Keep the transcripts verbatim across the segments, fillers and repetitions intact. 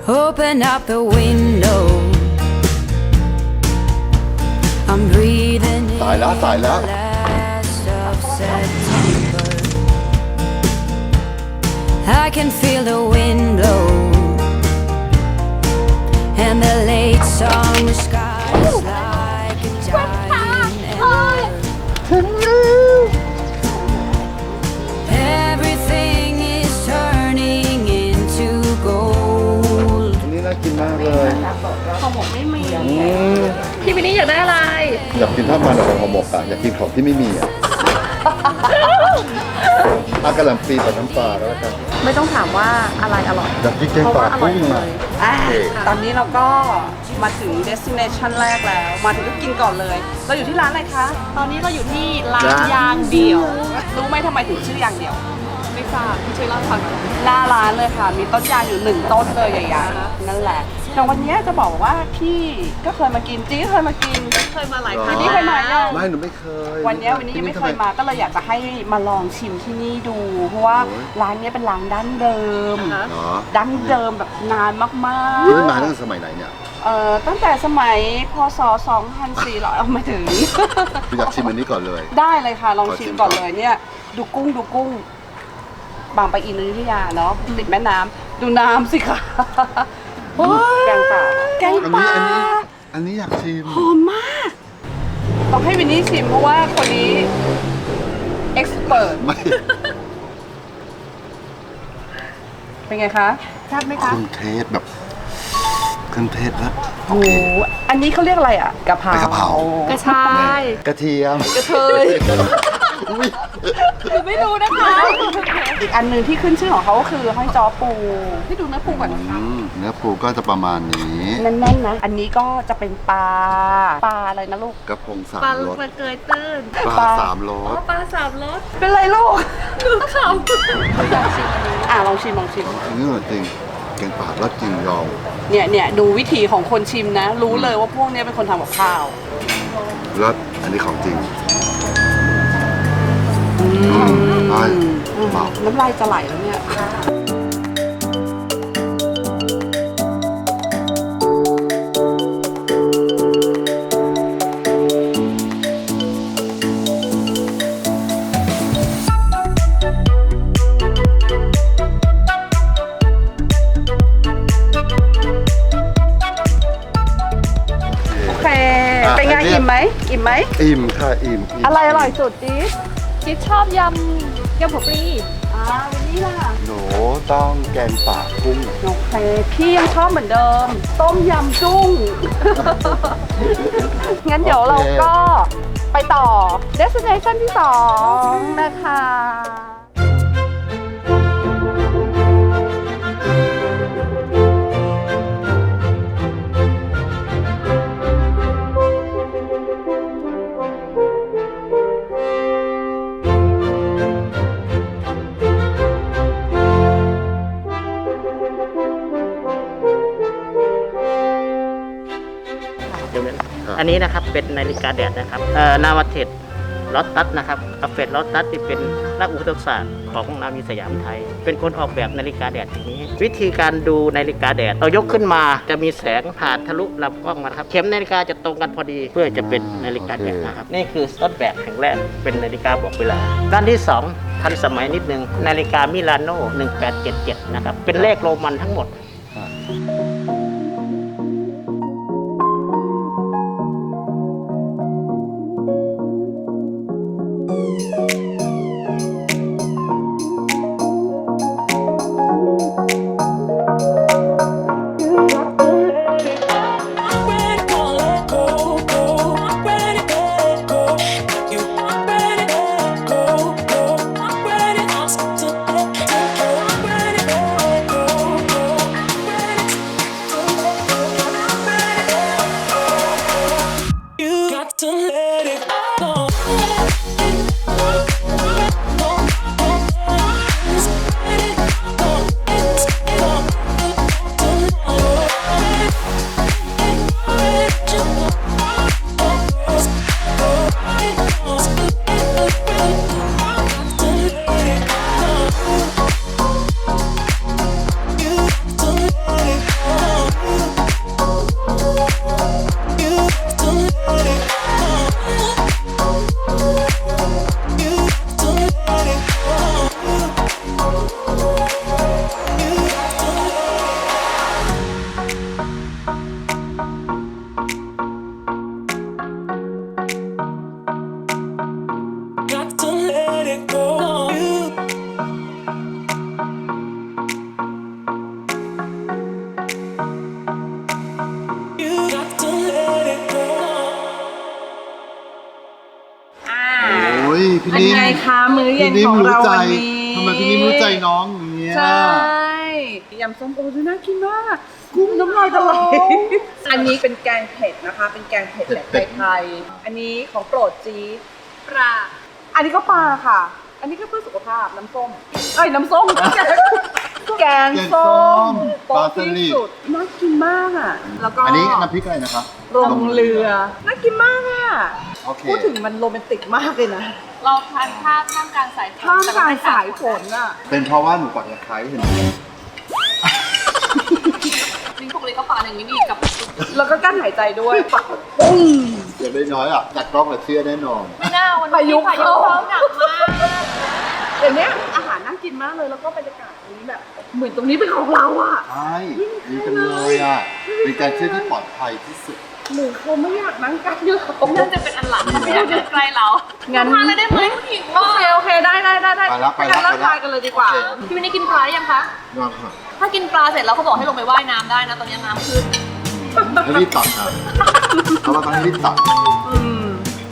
Open up the window. I'm breathing in สายแล้วสายแล้ว the last of September. I can feel the wind blow and the late summer sky is like a dying ember. Everything is turning into gold. อันนี้น่ากินมากเลยของผมไม่มีอืมพี่วินนี่อยากได้อะไรอยากกินข้าวมันกับห่อหมกอ่ะอยากกินของที่ไม่มีอ่ะอากระหล่ำปีกับน้ำปลาแล้วกันไม่ต้องถามว่าอะไรอร่อยอยากกินแกงเพราะป่าว่าอร่อยกุ้งเลอ่ะยอ่ะตอนนี้เราก็มาถึง destination แรกแล้ว มาถึงก็กินก่อนเลย เราอยู่ที่ร้านอะไรคะตอนนี้เราอยู่ที่ร้านร้านยางเดียวรู้ไหมทำไมถึงชื่อยางเดียวไม่ทราบพี่ช่วยเล่าให้ฟังหน่อยหน้าร้านเลยค่ะ มีต้นยางอยู่หนึ่งต้นเลยใหญ่ๆนั่นแหละ แต่วันนี้จะบอกว่าพี่ก็เคยมากินจี้ก็เคยมากินเคยมาหลายหรอครั้งนี่เคยมายังไม่หนูไม่เคยวันนี้วันนี้ยังไม่เคยมาก็เลยอยากจะให้มาลองชิมที่นี่ดู เพราะว่าร้านนี้เป็นร้านดั้งเดิมเหรอดั้งเดิมแบบนานมากนี่มาตั้งแต่สมัยไหนเนี่ยๆเอ่อตั้งแต่สมัยพศสองพันสี่ร้อยเอาไม่ถึงอยากชิมอันนี้ก่อนเลยได้เลยค่ะ ลองชิมขอชิมก่อนเลยเนี่ย ดูกุ้งดูกุ้ง บางปะอินอยุธยาเนาะติดแม่น้ำดูน้ำสิคะแกงป่าแกงอันป่านี้อันนี้อันนี้อยากชิมหอมมาก ต้องให้วินนี่ชิมเพราะว่าคนนี้เอ็กซ์เ t ไม่เป็นไงคะแซ่บไหมเคคะรื่องเทศแบบเครื่องเทศแล้วโอโอ้เคโหอันนี้เขาเรียกอะไรอ่ะกะเพราเป็นกะเพรากระชายกระเทียมกระเทยอุ้ยไม่รู้นะคะ อีกอันหนึ่งที่ขึ้นชื่อของเขาก็คือห้อยจอปูให้ดูเนื้อปูก่อนนะคะอืมเนื้อปูก็จะประมาณนี้แน่นๆนะ อันนี้ก็จะเป็นปลา ปลาอะไรนะลูกกระพงสามปลารสปลาเกยตื้นปลาสามรอ๋อสปลาสามรสเป็นไรลูกดูเขาอ่ะลองชิมลองชิมอันนี้จริงแกงป่าแล้วจริงยองเนี่ยเนี่ยดูวิธีของคนชิมนะ รู้เลยว่าพวกเนี้ยเป็นคนทำกับข้าวแล้วอันนี้ของจริงไปเบาน้ำลายจะไหลแล้วเนี่ย โอเค เป็นไงอิ่มไหมอิ่มไหมอิ่มค่ะอิ่มมอะไรอร่อยสุดจี๊ดจิ๊ดชอบยำยำหัวปลีอ่าวันนี้ล่ะหนูต้องแกงป่ากุ้งโอเค พี่ยังชอบเหมือนเดิม ต้มยำจุ้ง งั้นเดี๋ยวเราก็ไปต่อ destination ที่สองนะคะอันนี้นะครับเป็นนาฬิกาแดดนะครับเอ่อนาวาเทศลอตตัสนะครับอัฟเฟตลอตตัสที่เป็นนักอุตสาหกรรมของนาวิสยามไทย เป็นคนออกแบบนาฬิกาแดดอย่างนี้ วิธีการดูนาฬิกาแดดเรายกขึ้นมาจะมีแสงผ่านทะลุลำกล้องมาครับเข็มนาฬิกาจะตรงกันพอดีเพื่อจะเป็นนาฬิกาแดดนะครับนี่คือต้นแบบแห่งแรกเป็นนาฬิกาบอกเวลาด้านที่สองทันสมัยนิดนึงนาฬิกามิลานโน่หนึ่งแปดเจ็ดเจ็ดนะครับเป็นเลขโรมันทั้งหมด I พี่เป็นนิ่มไงคะมื้อเย็นพี่นิ่ขมองรู้เราใจวันนี้ทำไมพี่นิ่มรู้ใจน้องอย่างเงี้ยใช่ยำส้มโอดูน่ากินมากกุ้งน้ำลายจะไหลอันนี้เป็นแกงเผ็ดนะคะ เป็นแกงเผ็ดแบบไทยๆอันนี้ของโปรดจี๊ดปลาอันนี้ก็ปลาค่ะ อันนี้ก็เพื่อสุขภาพน้ำส้มเอ้ยน้ำส้มแกงส้มโป๊ะที่สุดน่ากินมากอ่ะแล้วก็อันนี้น้ำพริกอะไรนะคะลงเรือน่ากินมากอ่ะโอเคพูดถึงมันโรแมนติกมากเลยนะเราทานข้าวท่ามกลางสายฝนท่ามกลางสายฝนอ่ะเป็นเพราะว่าหนูปักตะไคร้เห็นไหมลิงปกติก็ปาอย่างนี้นี่กับแล้วก็กั้นหายใจด้วยปักปุ้งอย่างน้อยๆอ่ะจากกล้องเราเชื่อแน่นอนไม่น่าวันพายุนี้พายุเข้าเข้าหนักมากเดี๋ยวนี้อาหารน่ากินมากเลยแล้วก็บรรยากาศตรงนี้แบบ เหมือนตรงนี้เป็นของเราอ่ะใช่ดีจังเลยอ่ะ เป็นการเที่ยวที่ปลอดภัยที่สุดหรือเขาไม่อยากนั่งกันเยอะเขาน่าจะเป็นอันหลังไม่อยากอยู่ใกล้เรางั้นทานเลยได้ไหมผู้หญิงโอเคโอเคได้ได้ได้ได้ไปแล้วไปแล้วงั้นไปแล้วเริ่มทานกันเลยดีกว่าโอเคพี่วินนี่กินปลายังคะนอนค่ะถ้ากินปลาเสร็จแล้วเขาบอกให้ลงไปว่ายน้ำได้นะตอนนี้น้ำขึ้นให้รีบตัดครับเพราะว่าต้องให้รีบตัดอืม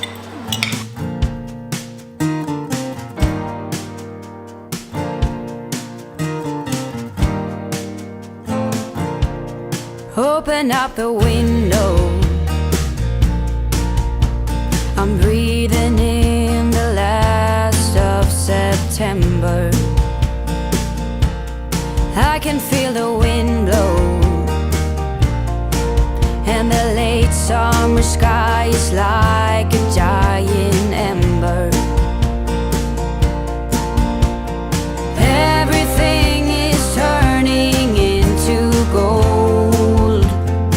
Open up the window. I'm breathing in the last of September. I can feel the wind blow, and the late summer sky is like a giant ember. Everything is turning into gold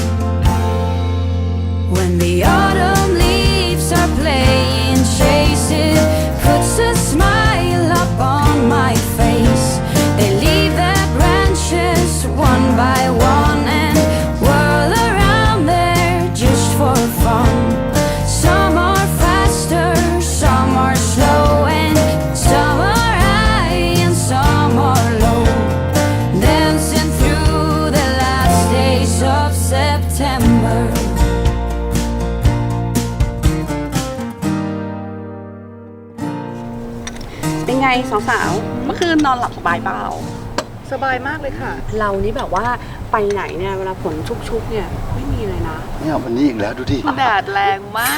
when the autumn leaves are playing chase. It puts a smile up on my face. They leave their branches one by one and whirl around there just for fun. Some are faster, some are slow, and some are high and some are low, dancing through the last days of September. เป็นไงสาวๆเมื่อคืนนอนหลับสบายเปล่าสบายมากเลยค่ะ เรานี่แบบว่าไปไหนเนี่ยเวลาฝนชุกๆเนี่ยไม่มีเลยนะเนี่ยวันนี้อีกแล้วดูดิแดดแรงมาก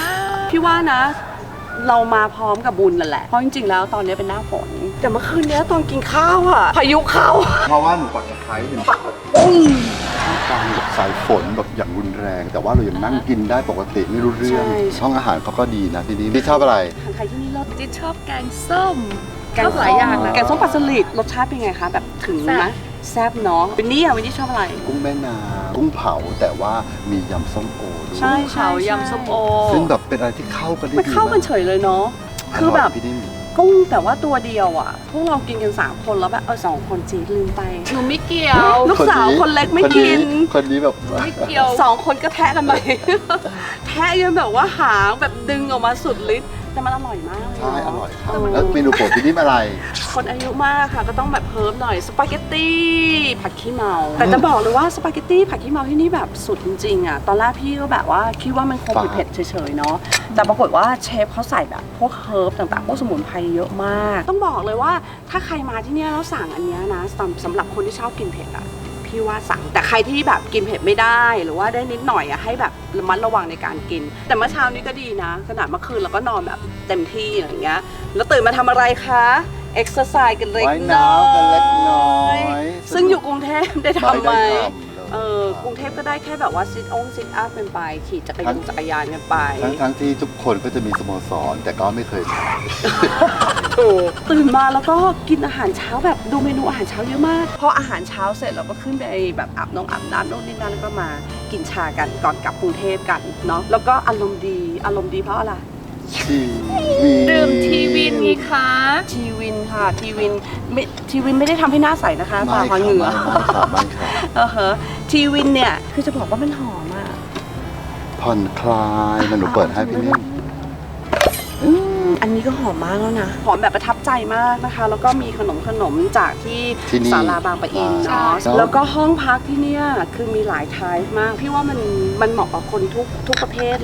พี่ว่านะ เรามาพร้อมกับบุญนั่นแหละ เพราะจริงๆแล้วตอนนี้เป็นหน้าฝน แต่เมื่อคืนนี้ตอนกินข้าวอะพายุเข้าเพราะว่าหนูปักตะไคร้เห็นไหมปุ้งกลางแบบสายฝนแบบอย่างรุนแรง แต่ว่าเรายังนั่งกินได้ปกติไม่รู้เรื่องห้องอาหารเขาก็ดีนะทีนี้พี่ชอบอะไรทานไทยที่นี่รสจิ๊ดชอบแกงส้มแกงชอบหลายอย่างนะแกงส้มปลาสลิดรสชาติเป็นไงคะ แบบถึงไหมแซ่บเนาะวินนี่อะวินนี่ชอบอะไรกุ้งแม่น้ำกุ้งเผาแต่ว่ามียำส้มโอด้วยใช่เผายำส้มโอซึ่งแบบเป็นอะไรที่เข้ากันได้ดีมันเข้ากันเฉยเลยเนาะ คือแบบพี่นิ่มกุ้งแต่ว่าตัวเดียวอ่ะ พวกเรากินกันสามคนแล้วแบบเออสองคนจีลืมไปหนูไม่เกี่ยวลูกสาวคนเล็กไม่กินคนนี้แบบไม่เกี่ยวสองคนก็แทะกันไป แทะกันแบบว่าหางแบบดึงออกมาสุดฤทธิ์แต่มันอร่อยมากเลยใช่เนะอร่อยครับแล้วเมนูโปรดพี่นิ่มอะไรคนอายุมากค่ะก็ต้องแบบเพิ่มหน่อยสปาเกตตี้ผัดขี้เมา แต่จะบอกเลยว่าสปาเกตตี้ผัดขี้เมาที่นี่แบบสุดจริงๆอ่ะตอนแรกพี่ก็แบบว่าคิดว่ามันคงเผ็ดๆเฉยๆเนาะแต่ปรากฏว่าเชฟเขาใส่แบบพวกเฮิร์บต่างๆพวกสมุนไพรเยอะมาก ต้องบอกเลยว่าถ้าใครมาที่เนี่ยแล้วสั่งอันเนี้ยนะสำสำหรับคนที่ชอบกินเผ็ดอ่ะพี่ว่าสั่งแต่ใครที่แบบกินเผ็ดไม่ได้หรือว่าได้นิดหน่อยอ่ะให้แบบระมัดระวังในการกิน แต่เมื่อเช้านี้ก็ดีนะขนาดเมื่อคืนเราก็นอนแบบเต็มที่อะไรอย่างเงี้ยแล้วตื่นมาทำอะไรคะเอ็กซ์ไซส์กันเล็กว่ายน้อน้ำกันเล็กน้อย ยซึ่งอยู่กรุงเทพได้ทำไหมไม่ได้ทำเลยเออกรุงเทพก็ได้แค่แบบว่าซิทองซิทอัพกันไปขี่จักรยานจักรยานกันไปทั้งทั้งที่ทุกคนก็จะมีสโมสร แต่ก็ไม่เคยทถูกตื่นมาแล้วก็กินอาหารเช้าแบบดูเมนูอาหารเช้าเยอะมากพออาหารเช้าเสร็จเราก็ขึ้นไปแบบอาบน้ำอาบน้ำโน่นนี่นั่นแล้วก็มากินชากันก่อนกลับกรุงเทพกันเนาะแล้วก็อารมณ์ดีอารมณ์ดีเพราะอะไรำทีวีดื่มทีวินไงคะทีวินค่ะทีวินไม่ทีวินไม่ได้ทำให้หน้าใสนะคะตาไม่พอค่ะเหงื่อไม่ค่ะไม่ค่ะเออฮะทีวินเนี่ยคือจะบอกว่ามันหอมอ่ะผ่อนคลายมันหนูเปิดให้พี่นิ่มอืมอันนี้ก็หอมมากแล้วนะหอมแบบประทับใจมากนะคะ แล้วก็มีขนมขนมจากที่ที่นี่ศาลาบางปะอินเนาะใช่แล้วก็ห้องพักที่เนี่ยคือมีหลายไทป์มาก พี่ว่ามันมันเหมาะกับคนทุกทุกประเภทแหละ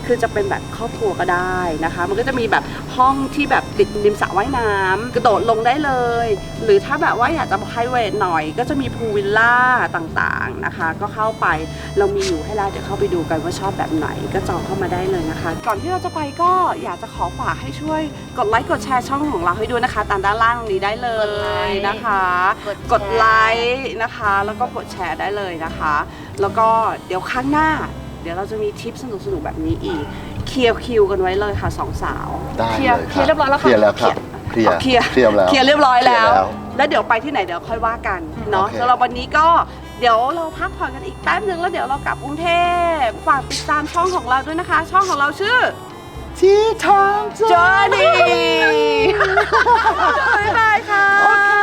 คือจะเป็นแบบครอบครัวก็ได้นะคะ มันก็จะมีแบบห้องที่แบบติดริมสระว่ายน้ำกระโดดลงได้เลย หรือถ้าแบบว่าอยากจะไพรเวทหน่อยก็จะมีพูลวิลล่าต่างๆนะคะ ก็เข้าไปเรามีอยู่ให้แล้วเดี๋ยวเข้าไปดูกันว่าชอบแบบไหนก็จองเข้ามาได้เลยนะคะ ก่อนที่เราจะไปก็อยากจะขอฝากให้ช่วยกดไลค์กดแชร์ช่องของเราให้ด้วยนะคะตามด้านล่างนี้ได้เลยนะคะ กดไลค์นะคะแล้วก็กดแชร์ได้เลยนะคะ แล้วก็เดี๋ยวครั้งหน้า เดี๋ยวเราจะมีทิปสนุกๆแบบนี้อีกเคลียร์คิวกันไว้เลยค่ะสองสาวได้เคลีเลย ยร์คเคลียร์เรียบร้อยแล้วค่ะเคลียร์แล้วครับเคลียร์เคลียร์เคลียร์แล้วเคลียร์เรียบร้อยแล้วเคลียร์แล้วแล้วเดี๋ยวไปที่ไหนเดี๋ยวค่อยว่ากันเนาะโอเคสำหรับวันนี้ก็เดี๋ยวเราพักผ่อนกันอีกแป๊บนึงแล้วเดี๋ยวเรากลับกรุงเทพฝากติดตามช่องของเราด้วยนะคะ ช่องของเราชื่อที่ทาง Journey บ๊ายบายค่ะ